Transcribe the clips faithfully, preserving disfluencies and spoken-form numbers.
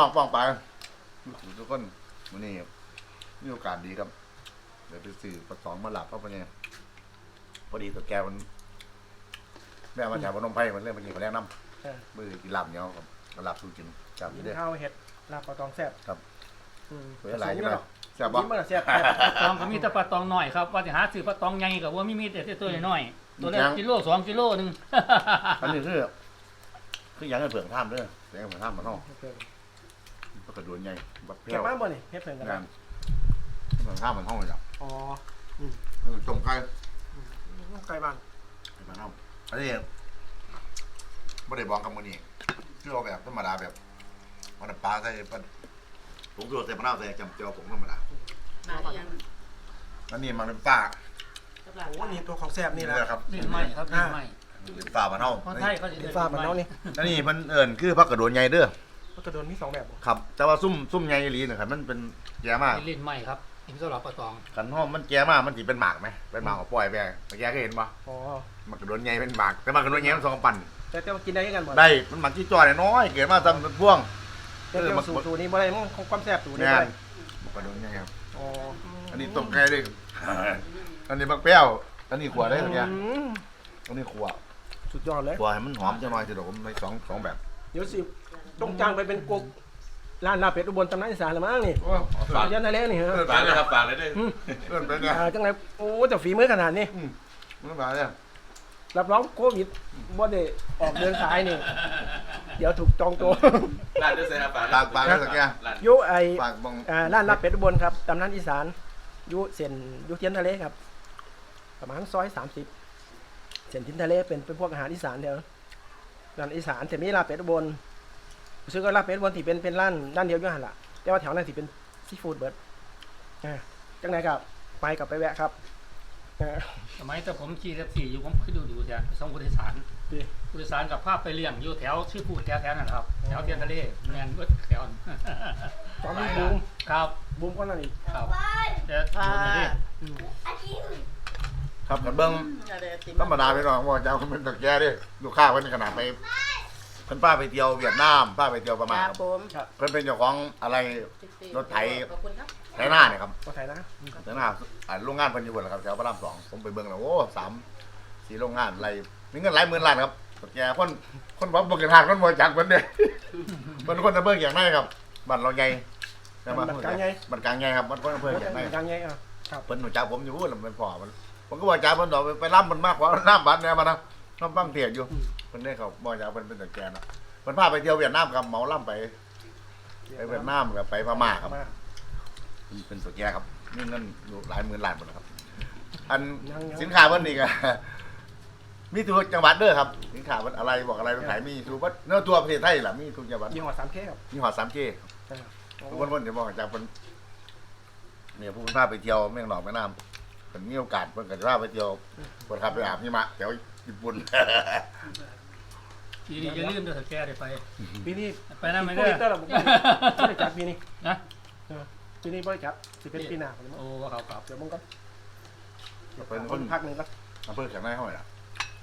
น้องป้องไปทุกคนวันนี้มีโอกาสดีครับเดี๋ยวไปสื่อประสองมาหลับเพราะว่าเนี่ยพอดีตัวแกมันแม่มาแถวพนมไพรมันเรื่องมันกินมาแล้น้ำมือกินหลับเนาะครับหลับสู้กินจับอยู่ด้วยข้าวเห็ดลาบปลาตองแซ่บครับอืมเวลาไหลใช่ไหมแซ่บบ่บ่แซ่บตองก็มีแต่ปลาตองหน่อยครับว่าจะหาซื้อปลาตองใหญ่กับว่ามีมีแต่ตัวน้อยตัวละกิโลสองกิโลหนึ่งอันนี้คือคือยังให้เผือกท่ามด้วยยังให้เผือกท่ามมันนอกก็กระโดดใหญ่บัดเปรี้เก็ยบวมาบ่นี่เฮ็ดเพิ่นกันงานเผือกท่ามมันห้องเลยจ้ะอ๋อจงไก่ไก่บ้านมันห้องอันนี้ไม่ได้บอกคำมือนี้คือเอาแบบธรรมดาแบบมันปลาใส่ผมตัวใส่มะนาวใส่จำเจียวผมธรรมดามาอย่างอันนี้มันเป็นปลากับหลานโอ้นี่ตัวของแซ่บนี่แหละครับเล่นไม่ครับเล่นไม่เป็นปลามันห้องเพราะไทยเขาจะเป็นฟ้าบ้านเฮานี่อันนี้มันเอิ่นคือพักกระโดดใหญ่เด้อมันกระโดนมีสองแบบบ่ครับแต่ว่าซุ่มซุ่มใหญ่ลีนะครับมันเป็นแย่มากเล่นไม่ครับอิมสลับปลาตองขันห้อมมันแก่มากมันสิเป็นหมากไหมเป็นหมากของปล่อยไปแต่แกก็เห็นปะอ๋อมันกระโดดใหญ่เป็นหมากแต่มันกระโดดใหญ่มันสองปั่นแต่แต่ว่ากินได้กันบ่ได้มันหมักที่จ่อยน้อยเกิดมาทำเป็นพ่วงแต่แต่ว่าสูตรสูตรนี้บ่ได้มันของความแซ่บสูตรนี้งาบ่นได้มันกระโดดใหญ่ครับอ๋ออันนี้ต้มไก่ด้วยอันนี้บักเปรี้ยวอันนี้ขวดได้ตัวเนี้ยอืมอันนี้ขวดสุดยอดเลยขวดให้มันหอมจังหน่อยสิเดี๋ยวผมในสองสองแบบเดี๋ยวสิต้องจ้างไปเป็นกุ๊กร้านลาบเป็ดอุบลตำนานอีสานละมั้งนี่ฝากยันทะเลนี่ฮะฝากเลยครับฝากเลยด้วยเพื่อนเป็นไงอ่าจังไรโอ้แต่ฝีมือขนาดนี้มันมาเนี่ยรับรองโควิดบ่ได้ออกเดินสายนี่ เดี๋ยวถูกจองตัวร้านด้วยใส่ครับฝากฝากฝากเลยสักอย่างร้านอยู่ไอฝากบองอ่าร้านลาบเป็ดอุบลครับตำนานอีสานอยู่เส้นอยู่เทียนทะเลครับ ประมาณซอยสามสิบเส้นทินทะเลเป็นเป็นพวกอาหารอีสานเดียวร้านอีสานแต่มีลาบเป็ดอุบลซึ่งก็ลาบเป็ดอุบลที่เป็นเป็นร้านร้านเดียวอยู่หันละแต่ว่าแถวนั้นที่เป็นซีฟู้ดเบิร์ดอ่าจังไรครับไปกับไปแวะครับอ่าสมัยแต่ผมขี่แท็กซี่อยู่ผมเคยดูดูจ้ะส่งผู้โดยสารดีผู้โดยสารกับภาพไปเลี้ยงอยู่แถวชื่อพูดแถวแถวนั่นครับแถวเทียนทะเลแมนเบิดแถวนั้นตอนนี้บูมครับบูมก็นั่นอีกครับแต่โดนมาดิอืมครับกันเบิ้ง ธรรมดาไปหน่อยว่าจะเอาเป็นตะแกดิลูกค้าเพิ่นขนาดไปเพิ่นป้าไปเที่ยวเวียดนามป้าไปเที่ยวประมาณครับผมเพิ่นเป็นเจ้าของอะไร รถไถขอบคุณครับไถหน้าเนี่ยครับก็ไทยนะไถหน้าอ่าโรงงานเพิ่นอยู่บนแหละครับแถวพระรามสองผมไปเบิ่งแล้วโอ้สามสี่โรงงานไรมีเงินหลายหมื่นล้านครับตะแกคนคนบ่บ่เกินทางคนบ่จักเพิ่นเด้ เพิ่นคนตะเบิ่งอย่างไรครับบ้านเราใหญ่ใช่ไหมมันกลางไงบ้านกลางใหญ่ครับบ้านคนอำเภออย่างไรมันกลางไงอ่ะครับเพิ่นรู้จักผมอยู่แล้วมันพ่อมันผมก็บอกจ่าเพิ่นดอกไปรับมันมากกว่าน้ำบัตรเนี่ยมานะน้ำบังเทียอยู่เพิ่นได้เขาบอกจ่าเพิ่นเป็นตะแกนอ่ะเพิ่นพาไปเที่ยวเวียดนามกับเหมาล่ำไปไปเวียดนามกับไปพม่าครับเป็นตะแกครับมีเงินอยู่หลายหมื่นล้านหมดนะครับ อันสินค้าเพิ่นนี่ก็ มีทุกจังหวัดเด้อครับสินค้าเพิ่นอะไรบอกอะไรต้องขายมีทุกวัดเนื้อตัวประเทศไทยล่ะมีทุกจังหวัดยี่ห้อสามเคครับมีหอดสามเจ ทุกคนคนเดี๋ยวบอกจากเพิ่นเนี่ยผู้เพิ่นพาไปเที่ยวแม่งหนองแม่น้ำเพิ่นมีโอกาสเพิ่นก็จะพาไปเที่ยวเพิ่นขับไปอาบหิมะแถวญี่ปุ่นทีนี้จะลืมเด้อแกได้ไปปีนี้ไปนั่นไม่ปีได้นี้ตลอดบริจาคปีนี้นะปีนี้บริจาคสิเป็นปีหน้าผมโอ้ครับครับเดี๋ยวมึงก็เป็นคนพักหนึ่งก็อำเภอแข็งในห้อยล่ะ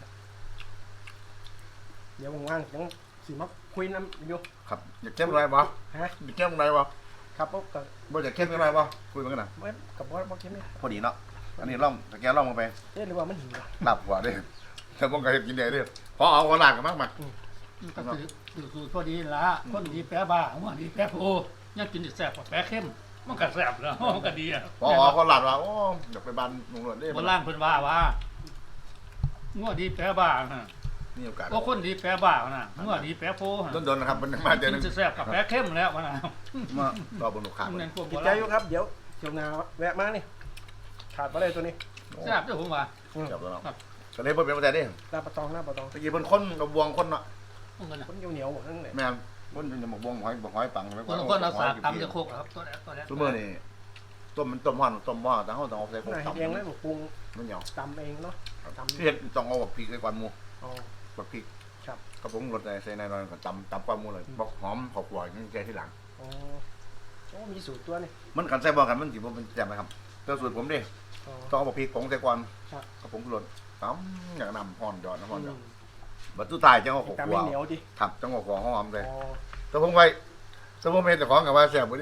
เดี๋ยวว่างๆยังสิมาคุยน้ำอยู่ครับอยากเข้มอะไรบ่ฮะอยากเข้มอะไรบ่ครับปุ๊บกับบ่อยากเข้มอะไรบ่คุยมันกันน่ะกับบอสบอสเข้มไหมพอดีเนาะอันนี้ล่อมตะแกรงล่อมลงไปเอ๊ะหรือว่ามันหิวอ่ะหลับกว่าเด้แต่ผมก็เฮ็ดกินได้เด้พอเอาหัวหลากกันมากมากก็คือคือสูตรพอดีละคนดีแปะบ้าว่าดีแปะโพยังกินแซ่บกว่าแปะเข้มมันก็แซ่บแล้วมันก็ดีอ่ะพอเอาหัวหลากว่าโอ้อยากไปบ้านลุงหลวงเด้โบราณเพิ่นว่าว่างัวดีแปะบ้าฮะมีโอกาสก็คนดีแปะบ้านะงัวดีแปะโพฮะต้นๆนะครับมันมาเจอหนึงกินแซ่บกับแปะเข้มแล้ววะนะมารอบนลูกค้ามันเป็นพวกโบกินใจราณอยู่ครับเดี๋ยวเดี๋ยวนาแวะมานี่ขาดไปเลยตัวนี้แซ่บด้วยผมว่าจับแล้วเนาะก็เลยบ่เป็นประเทศเด้ลาปะตองลาปะตองตะกี้เพิ่นคนกับบวงคนเนาะพวกนั้นคนเหนียวๆหมดทั้งนั้นแม่นคนจะหมกบวงหอยบ่หอยปังไว้คนคนเอาสากตำจะโคกครับตัวแรกตัวแรกซุมื้อนี่ต้มมันต้มฮ้อนต้มหม้อแต่เฮาต้องเอาใส่โคกนายตำเองเลยปรุงมันเหนียวตำเองเนาะตำเฮ็ดต้องเอาบักพริกใส่ก่อนหมู่อ๋อบักพริกครับกระผมรสใส่ในนั้นก็ตำตำก่อนหมู่เลยบอกหอมขอบหวานนี่แกที่หลังอ๋อโอ้มีสูตรตัวนี่มันกันใส่บ่กันมันสิบ่เป็นแจ่มนะครับแต่สูตรผมเด้อ๋อต้องเอาบักพริกผงใส่ก่อนครับกระผมรสตำอย่างน้ำฮ้อนยอดน้ำฮ้อนยอดอืมบัดสุดท้ายจังเอาขอบตำหไม่วานเหนียวดิครับจังเอาของหอมเลยอ๋อแต่ผมไว้สมมติเป็นเจ้าของกับว่าแซ่บบ่ดิ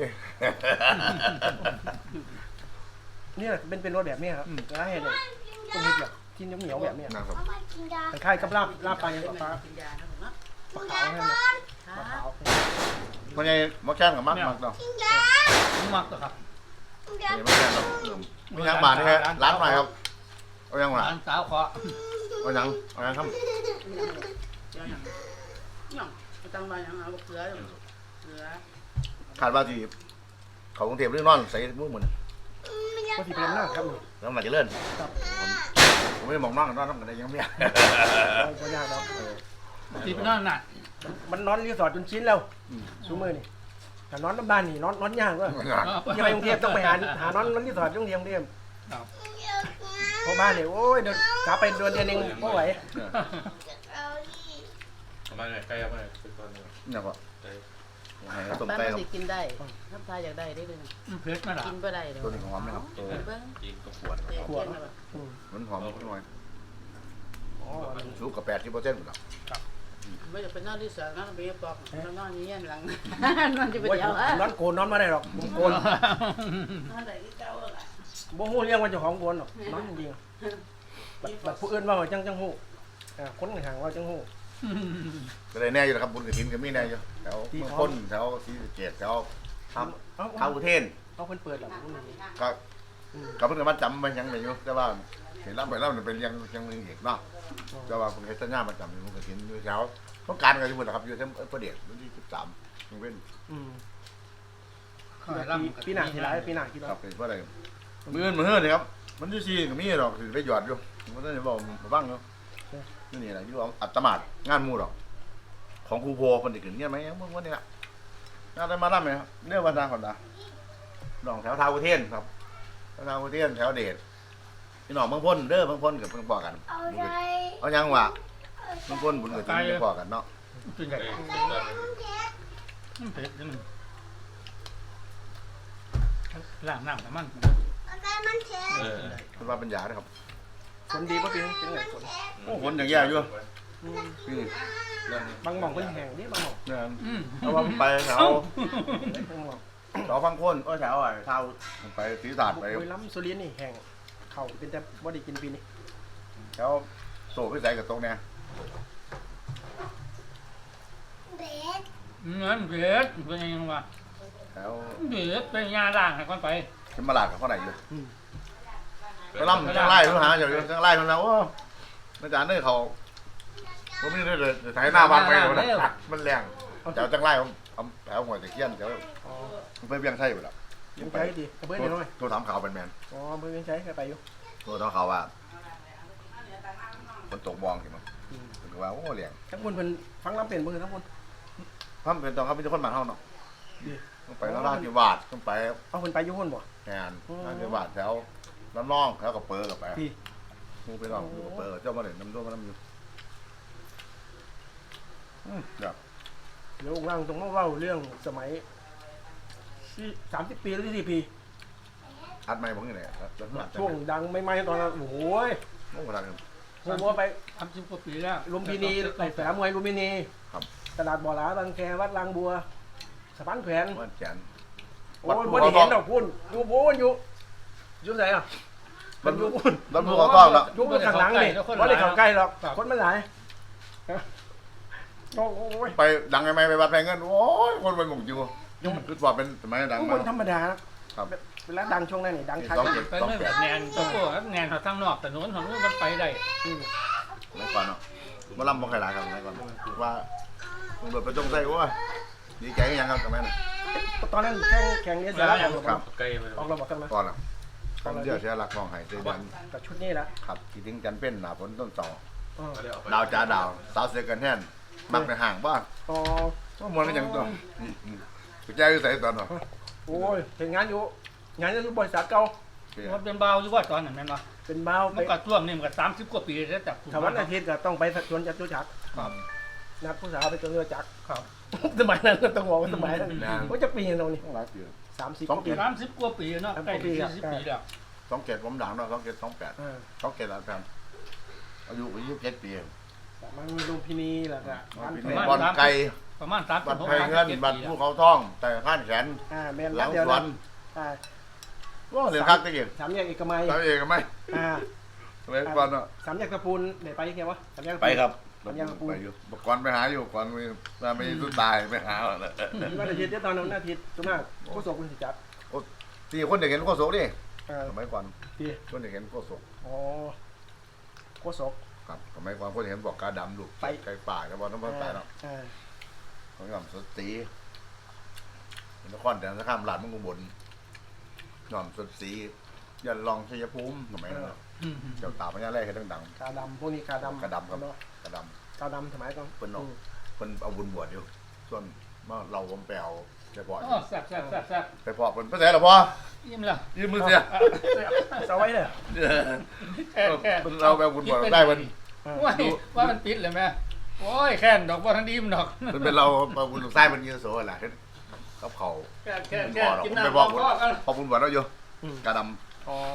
นี่แหละเป็นเป็นรสแบบนี้ครับแล้วให้เลยต้มเห็ดแบบที่เหนียวๆแบบนี้นะครับคล้ายๆกับลาบลาบปลาอย่างเป็นปลากินยาครับผมเนาะปลาขาวให้มันปลาขาวเพราะไงหมอแค้นกับมักมักเนาะมักตัวครับนี่หมอแค้นเนาะมีหยังบาทนี่ฮะร้านหน่อยครับเอายังหวะร้านสาวขอเอายังเอายังครับเดี๋ยวอย่างอย่างไม่ต้องมาอย่างเอาเกลือเกลือขาดว่าที่เขากรุงเทพเรื่องนอนใส่มือเหมือนก็ที่เป็นหน้าครับนี่แล้วมาจะเลื่อนผมไม่ได้มองนอนกันนอนกันได้ยังไม่เอาไปยากแล้วตีไปนั่นน่ะมันนอนรีสอร์ทจนชิ้นแล้วซูมือนี่แต่นอนน้ำบ้านนี่นอนนอนยากว่ะยังไปกรุงเทพต้องไปหาหานอนนอนรีสอร์ทกรุงเทพกรุงเทพเพราะบ้านเนี่ยโอ้ยเดินกลับไปเดือนเดือนเองไม่ไหวเอามาเลยใกล้เอามาเลยเป็นตอนนี้เนี่ยก็ใกล้ให้ต้มบ้านไก่มันครับสิกินได้ถ้าทายอยากได้ได้เลยเพชรมาหล่ะกินบ่ได้เลยตัวนี้ของหอมนะครับตัวเบิ้งกินก็ปวดเจ๊เจ๊นะแบบมันหอมนิดหน่อยอ๋อสูงกับแปดที่เปอร์เซ็นต์หมดแล้วไม่จะเป็นนอนที่สวนนอนไปปอกนอนนี้ยันหลังนอนจะไปโอ้ยเดียวนอนโกนนอนไม่ได้หรอกผมโกนนอนไหนที่เจ้าอะไรบ่ฮู้เรื่องว่าเจ้าของโกนหรอกนอนจริงๆแบบแบบผู้อื่นว่าจังจังฮู้อ่าคนห่างว่าจังฮู้ก็เลยแน่อยู่นะครับบุญกระถินก็มีแน่อยู่แถวเมืองพ้นแถวศรีสะเกษแถวทเอาำท้าวอุเทนเอาเพิ่นเปิดหรอกพุ่นนี่ก็ก็เพิ่งมาจำมันยังไม่อยู่แต่ว่าเห็นแล้วไปแล้วมันเป็นยังยังมีอีกเนาะแต่ว่าผมเห็นสัญญามาจำอยู่บุญกระถินอยู่แถวต้องการกันอยู่หมดนะครับอยู่ที่ประเดี๋ยววันที่สิบสามยังเป็นอืมขายร่ำปีหน้าสิหลายปีหน้าคิดครัว่าบเป็นเพราะอะไรมือเงินมือเฮือนนี่ครับมันที่สี่ก็มีหรอกถือไปหยอดอยู่มันต้องบอกมาบ้างเนาะนี่นี่แหละที่ว่าอัตมาดงานมูหรอกของครูโพคนเด็กเงี้ยไหมเมื่อวันนี้ละงานได้มาล่ำไหมครับเรื่องวันดาคนดาหนองแถวทาวอุเทนครับแถวทาวอุเทนแถวเดชพี่น้องเมืองพ้นเด้อเมืองพ้นกับเมืองปอกันเอายังวะเมืองพ้นบุญกับจีนปอกันเนาะเป็นไงใกล้เป็นตอนนี้เพชรนี่มันล้างน้ำแต่มันเออเป็นว่าเป็นยานะครับฝนดีป่ะปีนี้เป็นไงฝนโอ้คนอย่างแย่อยู่อืมนี่นั่นบางหม่องเพิ่นแห้งนี่บางหม่องเนี่ยอืมเอาว่าไปแถวเอ้าบางหม่องแถวฟังโคนก็แถวไอ้เท้าไปศรีสาดไปบุรีรัมย์สุรินทร์นี่แห้งเข้าเป็นแต่บ่ได้กินปีนี้แถวโซ่พิสัยกับตรงเนี้ยเงินเพชรเป็นยังไงวะแถวเพชรเป็นยาด่างให้ก่อนไปขึ้นมาลาดกับข้อไหนอยู่ไปล่ำจังไล่ทุกหาอยู่จังไล่มันแล้วโอ้อาจารย์เนี่ยเขาผมไม่ได้เลยถ่ายหน้าบ้านไปเลยมันแรงแถวจังไล่ผมแถวหัวตะเคียนแถวอ๋อไปเบี้ยงไส้อยู่แล้วยังใช้ดีกระเบื้องน้อยตัวถามข่าวเป็นแมนอ๋อเพิ่นยังใช้ไปอยู่ตัวถามข่าวว่าคนตกบองเห็นมั้ยถึงว่าโอ้เลี้ยงทั้งคนเพิ่นฟังลำเป็นบ่คือทั้งคนถ้าเป็นตอนเขาเป็นคนบ้านเฮาเนาะต้องไปแล้วราชกิวาดต้องไปเอาเพิ่นไปอยู่คนบ่งานราชกิวาดแถวน้ำน่องแถวกับเปอร์กับไปพี่มูไปลองดูกับเปอร์เจ้ามาเล่นน้ำด้วมาน้ำอยู่เดี๋ยวเดี๋ยวองค์ล่างตรงมาเว้าเรื่องสมัยที่สามสิบปีหรือสี่ปีอัดไม่ผมนี่แหละแล้วอัดช่วงดังไม่ไหม้ตอนนั้นโอ้โหยโอ้โหทางผมว่าไปทำสิบกว่าปีแล้วลุมพินีไปแฝมวยลุมพินีครับตลาดบ่อหลาบางแควัดลางบัวสะพานแขวนว่าแจนโอ้ยบ่ได้เห็นดอกพุ่นอยู่พุ่นอยู่อยู่ไหนอ่ะมันอยู่พุ่นรถภูเขาต้องแล้วอยู่พุ่นข้างหลังนี่บ่ได้เข้าใกล้หรอกคนมันหลายโอ้ยไปดังไงไม่ไปวัดแพงเงินโอ้ยคนไปหมุ่งอยู่ยุ่งคือว่าเป็นสมัยดังผู้มาคนธรรมดาครับเวลาดังช่วงนั้นนี่ดังทักสองเจ็ดไปสองไม่แปแบดบแนนตัวพวกแนนเขาทั้งนอกแต่โน้นของนู้นมันไปได้อืมไม่ก่อนเนาะมาลำบ่ใครหลายครับไม่ก่อนว่าตำรวจไปจงใส่ว่าดีใจยังครับทำไมน่ะตอนนั้นแข่งแข่งเรียนเสร็จแล้วออกระครับบบใกล้ไปออกระบบกันมาก่อนอ่ะต้องเชื่อเสียหลักมองหายใจเดือนกับชุดนี้แหละครับที่ทิ้งจันเป็นหนาฝนต้นต่ออ๋อดาวจ้าดาวสาวเสือกันแท่นมักในห่างบ้างอ๋อว่ามันยังตัวไปแจ้อยู่ใส่ตอนเนาะโอ้ยเห็นงานอยู่งานอยู่บริษัทเก่ามันเป็นเบาอยู่ว่าตอนนั้นแม่นวะเป็นบ้าวไปมันก็ท่วมนี่มันก็สามสิบกว่าปีแล้วจากถ้าวันอาทิตย์ก็ต้องไปสวนจตุจักรครับนัดผู้สาวไปสวนจตุจักรครับสมัยนั้นก็ต้องบอกว่าสมัยนั้นนานว่าจะปีนตรงนี้ต้องรักอยู่สามสิบสองปีปีสามสิบกว่าปีเนาะใกล้สี่สิบปีแล้วสองเกตผมดังเนาะสองเกตสองแปดอ่าสองเกตแล้วกันอายุอายุเจ็ดปีมันมีลุมพินีแหละก็บ้านปีแฟนี้นบอลไก่ประมาณสามบัสิตบรหกไทยเงินบัตรภูเขาท่องแต่ข้านแขนอ่าแม่นหลังเดียวสวนั้น นอ่าว่าเรียนคักตะกี้สามแยกเอกมัยตามเองไหมอ่าสมัยก่อนเนาะสามแยกตะปูนได้ไปยังไงวะสามแยกตะปูนไปครับสามแยกตะปูนไปอยู่บอกก่อนไปหาอยู่ก่อนมาไม่สุดตายไปหาแล้ววันอาทิตย์เดี๋ยวตอนนั้นวันอาทิตย์จุ๊มากผู้ส่งคุณสิจับที่คนเด็กเห็นโคศกดิเออสมัยก่อนพี่คนเด็กเห็นโคศกอ๋อโคศกครับสมัยก่อนคนเด็กเห็นบอกกาดำลูกไปไก่ป่าแล้วบอกน้ำมันตายเนาะอ่าเขาหย่อมสตีนครแต่นครหลานมึงกุบลหย่อมสตียันลองชัยภูมิสมัยนั้นเนาะเจ้าตาพญาแร่เห็นดังกาดำพวกนี้กาดำกาดำครับเนาะๆกระดกาดำสมัยก่อนำเพิ่นเนาะเพิ่นเอาบุญบวชอยู่ส่วนมาเราผมไปเอาไปพออ๋อแซ่บแซ่บแซ่บแซ่บไปพอเพิ่นไปใส่หรอพ่อยิ้มแล้วยืมมือเสียเอาไว้เลยแค่แค่เพิ่นเราไปเอาบุญบวชได้เพิ่นว่าว่ามันปิดเลยแม่โอ้ยแค่นดอกบ่ทันดีมดอกเพิ่นเป็นเราเอาบุญลูกไส้เพิ่นยืนโซ่แหละกับเขาแค่แค่บุญแค่บ่อเรากินผมไปน้ำบอกพ่อกันพอบุญบวชเราอยู่อืมกระดอ๋อ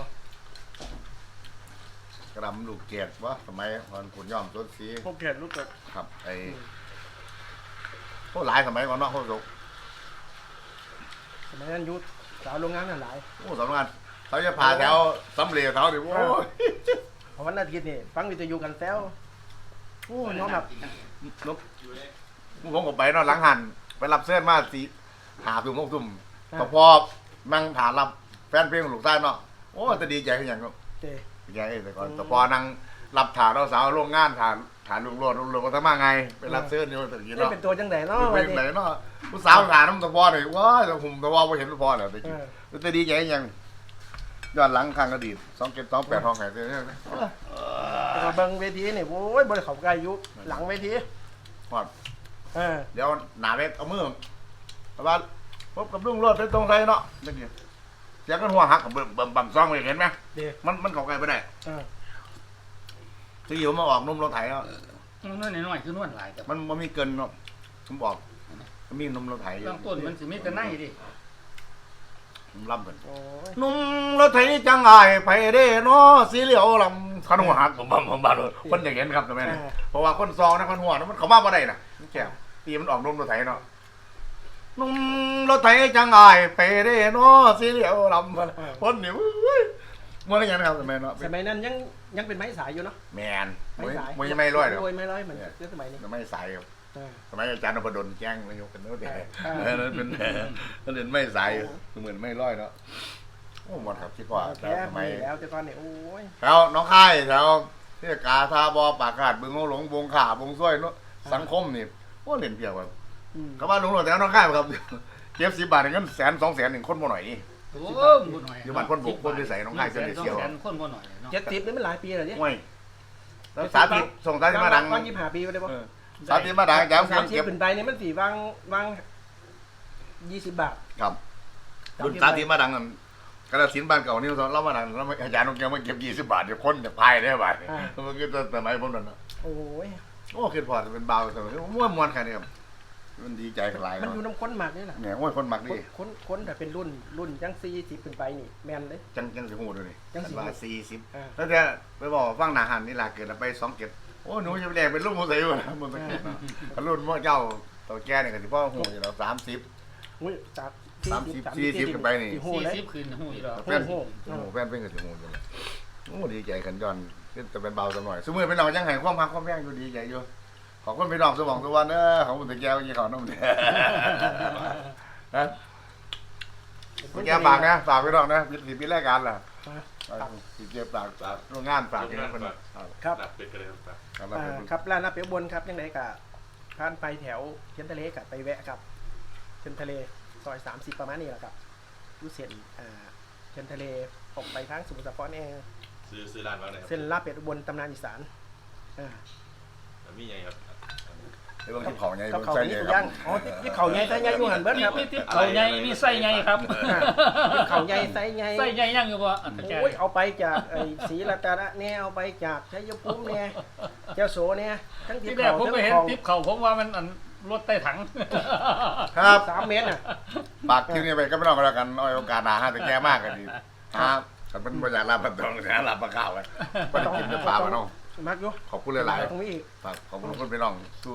ำกระดำลูกเกียรติวะสมัยวันขุนย่อมต้นสีพวกเขตรู้จักครับไอ้พวกหลายสมัยก่อนเนาะพวกสุกสมัยนั้นยุทธสาวโรงงานนั่นหลายโอ้สำนักงานเขาจะพาแถวสำเร็จเขาดิโอ้ยเพราะวันอาทิตย์นี่ฟังวิทยุกันแซวโอ้น้องแบบนกผมก็ไปเนาะหลังหันไปรับเสื้อมาสีหาตุ่มตุ่มก็พอนั่งถามรับแฟนเพลงลูกใต้เนาะโอ้จะดีใจขึ้นอย่างเนาะเจดีใจแต่ก่อนแต่พอนั่งรับถาเราสาวโรงงานถานถานลุงโรดลุงโรดก็ทำมาไงไปรับเสื้อนี่มันถึงยี่นี่เนาะเป็นตัวจังไดเนาะเป็วันนนี้ไหนเนาะผู้สาวถามน้ำตะพอเลยว้าแต่ผมตะพอไม่เห็นตะพอเลยแต่จริงเออจะดีใจยังย้อนหลังข้างอดีตสองเจ็ดสองแปดห้องไหนเนี่ยแต่ว่าเบิ่งเวทีนี่โอ้ยบริเขาใกล้ยุหลังเวทีพอดเออเดี๋ยวหนาเวทเอามือแต่ว่าพบกับลุงโรดไปตรงไทยเนาะนี่เสียงกันหัวหักกับเบิ่มเบิ่มบั่มซองไปเห็นไหมเดี๋ยวมันมันเข้าใกล้ไปได้เออที่อยู่มาออกนุ่มรถไถเนาะนวดน้อยๆคือนวดหลายแต่มันมันมีเกินเนาะผมบอกมันมีนุ่มรถไถอยู่บางต้นมันสิมีแต่ในดิผมล่ำกันโอ้ยนุ่มรถไถจังไงไปเด้เนาะสีเหลียวลำขันหัวหักผมบั่มผมบั่มคนอย่างเห็นครับทำไมเนี่ยเพราะว่าคนซองนะคนหัวนะมันเขามาบ่ได้น่ะมันแก่ตีมันออกนุ่มรถไถเนาะนุ่มรถไถจังไงไปเด้เนาะสีเหลียวลำคนนี่มันอะไรอย่างนี้ครับทำไมเนาะสมัยนั้นยังยังเป็นไม้สายอยู่เนาะแมนไม้มวยสายมวยไม่ร้อยหรอกโยไม่ร้อยเหมือนเรื่องสมัยนี้ไม่สายครับเออสมัยอาจารย์นพดลแจ้งนายกกันโน้ตเด็กเออเออนั่นเป็นนั่นเป็นไม่สายเหมือนไม่ร้อยเนาะโอ้หมดครับคิดว่าแค่สมัยมีแล้วแต่ตอนนี้โอ้ยแถวน้องค่ายแถวที่กาทาบอปากขาดบึงโงหลงบงขาบงซ้วยเนาะสังคมนี่โอ้เล่นเพียบครับอืมเขาว่าหลงหลงแถวน้องค่ายครับเก็บสิบบาทเงินแสนสองแสนหนึ่งคนบ่หน่อยนี่โอ้บ่หน่อยอยู่บ้านคนบุกคนวิสัยน้องค่ายเจ้าเด็กเชียวแสนคนบ่หน่อยเนาะเจ็ดสิบนี่มันหลายปีแล้วเนี่ยโอ้ยแล้วสาธิตส่งสาธิตมาดังวางยี่สิบห้าปีไปเลยป่ะเออสาธิตมาดังจ้าสามสิบเก็บขึ้นไปนี่มันสี่วางวางยี่สิบบาทครับรุ่นสาธิตมาดังนั่นกระสินบ้านเก่านี่เราเล่ามาดังแล้วอาจารย์น้องแก้วมาเก็บยี่สิบบาทเดี๋ยวคนจะพายได้บาทมันก็สมัยผมนั่นนะโอ้ยโอ้คิดพอจะเป็นเบาสมัยม้วนมวนแค่นี้ครับมันดีใจกันหลายมันเนาะอยู่น้ำข้นหมากนี่แหละเนี่ยโอ้ยคนมักคนดีคนคนแต่เป็นรุ่นรุ่นยังสี่สิบขึ้นไปนี่แมนเลยจังจังสิหูดูนี่จังสิหูว่าสี่สิบอ่าแล้วจะไปบอกฟังหนาหันนี่ล่ะเกิดไปสองเก็บโอ้หนูจะไปแดงเป็นลูกมูใส่อยู่นะมันตะเกียบนะรุ่นพ่อเจ้าตัวแก่เนี่ยกันที่พ่อหูอยู่แล้วสามสิบอุ้ยสามสามสิบสี่สิบขึ้นไปนี่โหเลยสี่สิบคืนหูอีกแล้วแฟนโอ้แฟนเป็นกับสิหูอยู่เลยโอ้ดีใจกันย้อนจะเป็นเบาสักหน่อยสมมติเป็นเรายังไงความพักความแย่งอยู่ดีใจอยู่ขอบคุณพี่น้องสมองสวรรค์เนอะของมุตะแก้วยี่เขาน้ำเนี่ยนะแก้วฝากนะฝากพี่น้องนะปิดปิดรายการล่ะปิดเก็บฝากฝากโรงงานฝากที่นั่นคนครับหลับเป็นกันเลยครับครับอ่าครับร้านน้ำเปียวบนครับยังไงกะผ่านไปแถวเชียนทะเลกับไปแวะกับเชียนทะเลซอยสามสิบประมาณนี้แหละครับรู้เส้นอ่าเชียนทะเลออกไปทางสมุทรสาครเองซื้อซื้อร้านมาไหนครับเส้นลาบเป็ดอุบลตำนานอีสานอ่ามีไงครับไอ้เรื่องที่เขาไงกับเขาใช่นี้ไงทุกคอรัย่างอ๋อที่เขาใหญ่ไส้ใหญ่อยู่หันเบิดครับมีติ๊บเขาใหญ่มีไส้ใหญ่ครับอ่าที่เขาใหญ่ไส้ใหญ่ไส้ใหญ่ยังอยู่บ่อันตะแกโอ้ยเอาไปจากไอ้ศรีรัตนะเนี่ยเอาไปจากชัยภูมิเนี่ยเจ้าโสเนี่ยทั้งที่ที่แรกเขาผมทั้งไปเห็นของติ๊บเขาผมว่ามันอันรถใต้ถังครับสามเมตรน่ะฝากที่นี่ไปก็ไม่ต้องกันแล้วกันเอาโอกาสหน้าฮะแต่แก้มากกันดีครับแต่เป็นบริษัทรับประตองนะรับประข้าวกันไปกินเนื้อปลามาน้องมักอยู่ขอบคุณหลายตรงนี้อีกๆฝากขอบคุณคุณพี่น้องสู้สุ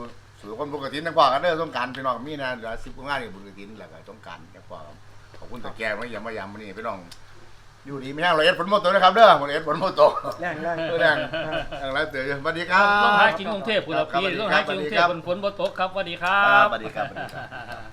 สู่คนปกตินักกว่ากันเด้อสงกรารพี่น้องมีนะเดี๋ยวสิบกว่างานนี่ปกติแล้วก็สงกรารนักกว่าขอบคุณตะแกรงมาอย่ามายามมื้อนี้พี่น้องอยู่ดีมีแห้งร้อยเอ็ดฝนหมดตัวนะครับเด้อร้อยเอ็ดฝนหมดตัวแรงแรงเออแรงแรงแล้วเตือนสวัสดีครับต้องหากินกรุงเทพฯพุ่นละพี่ต้องหากินกรุงเทพฯฝนบ่ตกครับสวัสดีครัครับ บสวัสดีครับสวัสดีครับ